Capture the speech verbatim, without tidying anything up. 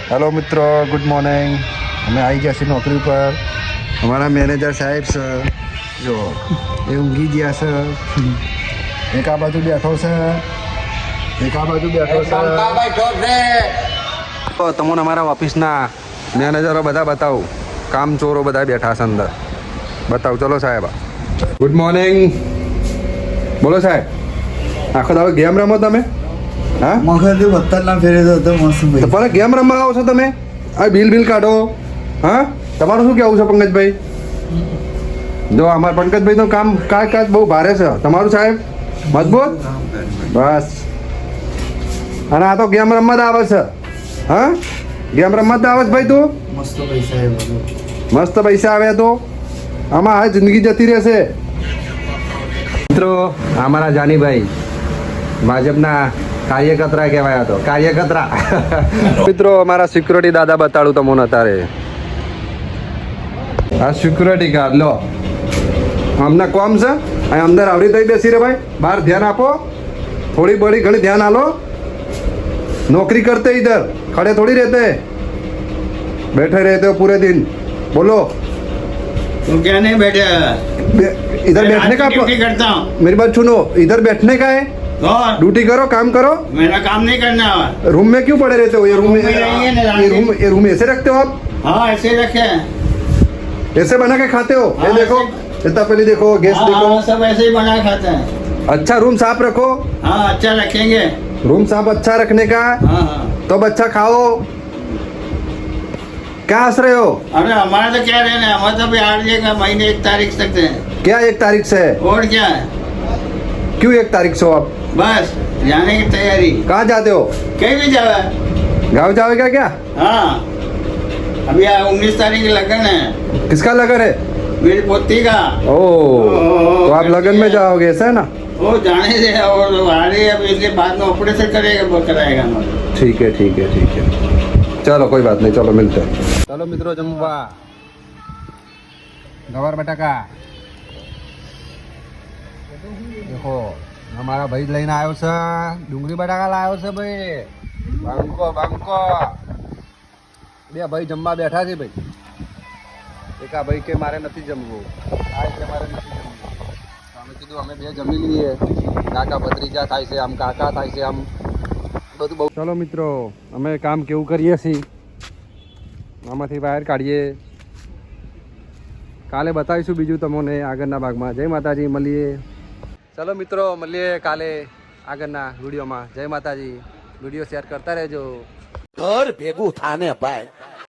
Hello मित्रों, good morning. અમે આવી ગયા છીએ નોકરી પર। અમારા મેનેજર સાહેબ છે જો એ ઊંઘી ગયા છે, એક આ બાજુ બેઠો છે, એક આ બાજુ બેઠો છે। તો તમને અમારા ઓફિસના મેનેજરો બધા બતાવું, કામ ચોરો બધા બેઠા છે અંદર, બતાવું। ચલો સાહેબ, ગુડ મોર્નિંગ। બોલો સાહેબ, આખો દાડો ગેમ રમો તમે? હા, મગજ વત્તર ના ફેરે તો મસ્ત ભાઈ। તો પણ ગેમ રમવા આવો છો તમે? આ બિલ બિલ કાઢો। હા, તમારું શું કહેવું છે પંકજભાઈ? જો અમારા પંકજભાઈ તો કામ કાજ કાજ બહુ ભારે છે, તમારું સાહેબ મજબૂત બસ। અને આ તો ગેમ રમવા જ આવે છે। હા, ગેમ રમવા જ આવે છે ભાઈ તું? મસ્ત પૈસા મસ્ત પૈસા આવે તો આમાં આ જિંદગી જતી રહેશે। મિત્રો, અમારા જાનીભાઈ ભાજપના કાર્યકર્તા કહેવાય હતો, કાર્યકર્તા। મિત્રો, અમારા સિક્યુરિટી દાદા બતાડું તમને અત્યારે। આ સિક્યુરિટી ગાર્ડ લો, અમને કોમ છે અહીં અંદર આવડી થઈ બેસી રે ભાઈ, બહાર ધ્યાન આપો, થોડી બड़ी ઘણી ધ્યાન આલો। नौकरी करते इधर, खड़े थोड़ी रहते, बैठे रहते हो पूरे दिन। बोलो, तुम क्या नहीं बैठे? इधर बैठने का ड्यूटी करता हूँ। मेरी बात सुनो, इधर बैठने का है, और ड्यूटी करो, काम करो। मेरा काम नहीं करना है। रूम में क्यों पड़े रहते हो? ये रूम में रूम में रहिए ना, ये रूम ये रूम ऐसे रखते हो आप? हाँ, ऐसे रखे हैं। ऐसे बना के खाते हो? ये हाँ, देखो, इतना पहले देखो, गैस हाँ, देखो। हाँ, सब ऐसे ही बना के खाते हैं। अच्छा रूम साफ रखो। हाँ, अच्छा रखेंगे। रूम साफ अच्छा रखने का, हाँ हाँ। तो अच्छा खाओ। क्या हंस रहे हो? अरे हमारा तो क्या रहना है, हमारा तो बिहार का महीने एक तारीख तक है। क्या एक तारीख से है? और क्या है, क्यों एक तारीख से हो आप? बस जाने की तैयारी। कहाँ जाते हो? कहीं भी जाओ। गाँव जाओगे क्या? हाँ, अभी उन्नीस तारीख की लगन है, किसका लगन है? मेरी पोती का। ओ, तो आप लगन में जाओगे, ऐसा है ना? वो जाने दे, और आ रही है, अब इसके बाद में ऑपरेशन करेगा, वो कराएगा हमारा। ठीक है ठीक है ठीक है, चलो कोई बात नहीं, चलो मिलते हैं। चलो मित्रों, जमवा गवार बटाका देखो, हमारा भाई लઈને આવ્યો છે, ડુંગળી બટાકા લાવ્યો છે ભાઈ, બાંકો બાંકો। બે ભાઈ જમવા બેઠા છે ભાઈ, એકા ભાઈ કે મારે નથી જમવું, આ કે મારે નથી જમવું, અમે કીધું અમે બે જમી લઈએ, કાકા ભત્રીજા થાય છે, આમ કાકા થાય છે, આમ બધું બહુ। ચલો મિત્રો, અમે કામ કેવું કરીએ છીએ આમાંથી બહાર કાઢીએ, કાલે બતાવીશું બીજું તમને આગળના ભાગમાં। જય માતાજી, મળીએ। ચલો મિત્રો, મળીએ કાલે આગળના વિડીયોમાં। જય માતાજી, વિડીયો શેર કરતા રહેજો। ઘર ભેગું થાને ભાઈ।